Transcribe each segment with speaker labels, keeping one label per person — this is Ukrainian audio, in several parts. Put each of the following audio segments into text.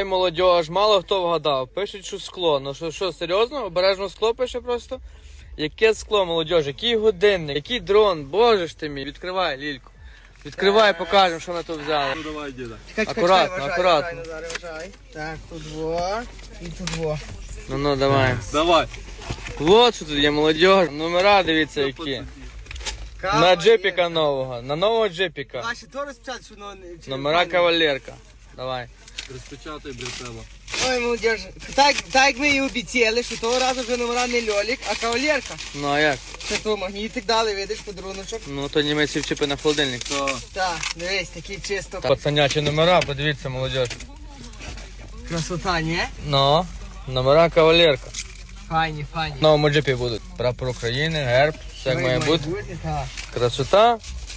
Speaker 1: Ой, молодіж, мало хто вгадав. Пишуть, що скло. Ну що, серйозно? Обережно скло пише просто? Яке скло, молодіж, який годинник, який дрон, боже ж ти мій. Відкривай, Лільку. Відкривай, покажемо, що ми тут взяли.
Speaker 2: Ну давай, діда.
Speaker 1: Акуратно, акуратно.
Speaker 3: Так, тут во і тут во.
Speaker 1: Ну, давай.
Speaker 2: Давай.
Speaker 1: Вот що тут є, молодіж. Номера, дивіться, які. На джипіка нового, на нового джипіка.
Speaker 3: Ваші то розпечатати, що воно...
Speaker 1: Номера кавалерка. Давай.
Speaker 2: Розпечатай, братела.
Speaker 3: Ой, молодіж, так як ми і обіцяли, що того разу вже номера не льолік, а кавалерка.
Speaker 1: Ну а як?
Speaker 3: Це то магнітик дали, видиш, подаруночок.
Speaker 1: Ну то німець вчипи на холодильник.
Speaker 2: То.
Speaker 3: Так, дивись, такий чисто.
Speaker 1: Пацанячі номера, подивіться, молодіж.
Speaker 3: Красота, ні?
Speaker 1: Ну, номера кавалерка.
Speaker 3: Файні, файні.
Speaker 1: В новому джипі будуть. Прапор України, герб, все як має бути.
Speaker 3: Так.
Speaker 1: Красота.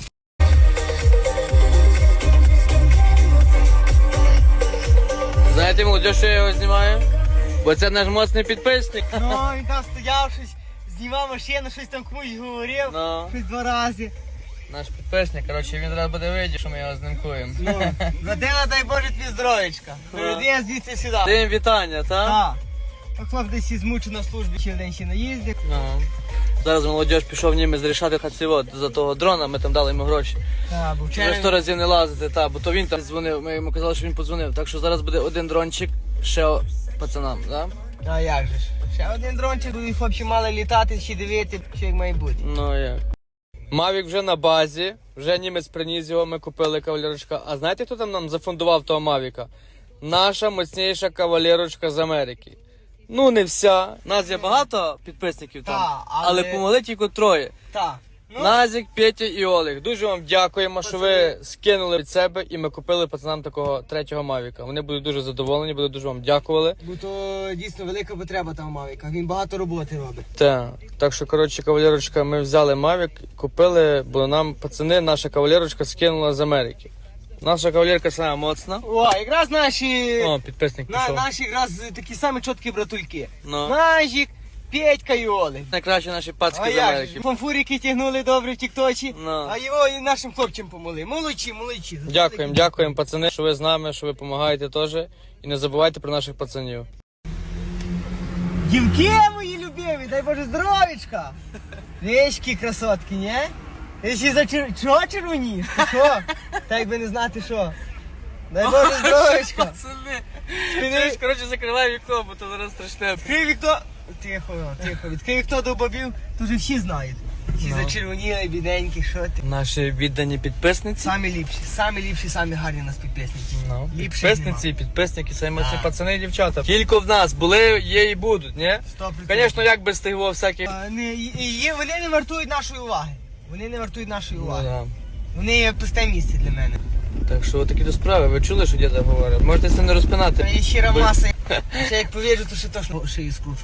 Speaker 1: Знаєте, молодіж, що я його знімаю? Бо це наш моцний підписник.
Speaker 3: Ну, він там стояв, щось, знімав машину, щось там комусь говорив,
Speaker 1: Ну.
Speaker 3: щось 2 рази.
Speaker 1: Наш підписник, коротше, він зараз буде видіти, що ми його знімкуємо.
Speaker 3: Ну, Вадима, дай Боже тобі здоровечка. Перейди звідси сюди.
Speaker 1: Тим вітання, так?
Speaker 3: Так. А хлоп десь і змучив на службі, ще один ще наїздив.
Speaker 1: Ну. Зараз молодіж пішов німець рішати хацівод за того дрона, ми там дали йому гроші.
Speaker 3: Так, бо
Speaker 1: Вже
Speaker 3: вчора...
Speaker 1: 100 разів не лазити, бо то він там дзвонив, ми йому казали, що він подзвонив. Так що зараз буде один дрончик ще пацанам, так?
Speaker 3: А як же ж? Ще один дрончик, і хлопці мали літати, ще дивити, що як має бути.
Speaker 1: Ну як. Мавік вже на базі, вже німець приніс його, ми купили кавалерочка. А знаєте, хто там нам зафундував того Мавіка? Наша моцніша кавалерочка з Америки. Ну не вся. Нас є багато підписників там,
Speaker 3: Та,
Speaker 1: але помогли тільки 3.
Speaker 3: Так. Ну,
Speaker 1: Назік, Петя і Олег. Дуже вам дякуємо, що ви скинули від себе і ми купили пацанам такого 3-го Мавіка. Вони будуть дуже задоволені, будуть дуже вам дякували.
Speaker 3: бо то дійсно велика потреба там Мавіка, він багато роботи робить.
Speaker 1: Так що, коротше, кавалерочка, ми взяли Мавік, купили, бо нам пацани, наша кавалерочка скинула з Америки. Наша кавалерка сама моцна.
Speaker 3: О, якраз наші...
Speaker 1: О, підписник пішов.
Speaker 3: Наші якраз такі самі чіткі братульки.
Speaker 1: Ну.
Speaker 3: Назік, Петька і Олег.
Speaker 1: Найкращі наші пацки
Speaker 3: А
Speaker 1: з
Speaker 3: як
Speaker 1: Америки.
Speaker 3: же? Фанфурики тягнули добре в тікточі,
Speaker 1: Ну.
Speaker 3: а його і нашим хлопцям помогли. Молодці.
Speaker 1: Дякуємо, пацани, що ви з нами, що ви допомагаєте теж. І не забувайте про наших пацанів.
Speaker 3: Дівки мої любимі, дай Боже здоровічка. Вещки красотки, ні? Ти ще за чого червоні? Що? Так якби не знати що. Дай Боже здоровічка.
Speaker 1: Пацани,
Speaker 3: Спини.
Speaker 1: коротше, закривай вікно, бо то зараз страшне.
Speaker 3: Відкрий вікно. Тихо. Відкрий вікно до бобів, то вже всі знають. Всі
Speaker 1: Ну.
Speaker 3: зачервоніли, бідненькі, що ти.
Speaker 1: Наші віддані підписниці.
Speaker 3: Самі ліпші, самі гарні у нас підписники.
Speaker 1: Ну,
Speaker 3: Ліпше
Speaker 1: підписниці, підписники, самі ці
Speaker 3: Так.
Speaker 1: пацани і дівчата. Кілько в нас були, є і будуть, ні?
Speaker 3: 100%.
Speaker 1: Звісно, як без тих всяких.
Speaker 3: Вони не вартують нашої уваги.
Speaker 1: Ну, да.
Speaker 3: Вони є пусте місце для мене.
Speaker 1: Так що такі до справи, ви чули, що діда говорить? Можете це не розпинати.
Speaker 3: Є щира маса. Ще як повіжу, то ще точно шиї скручу.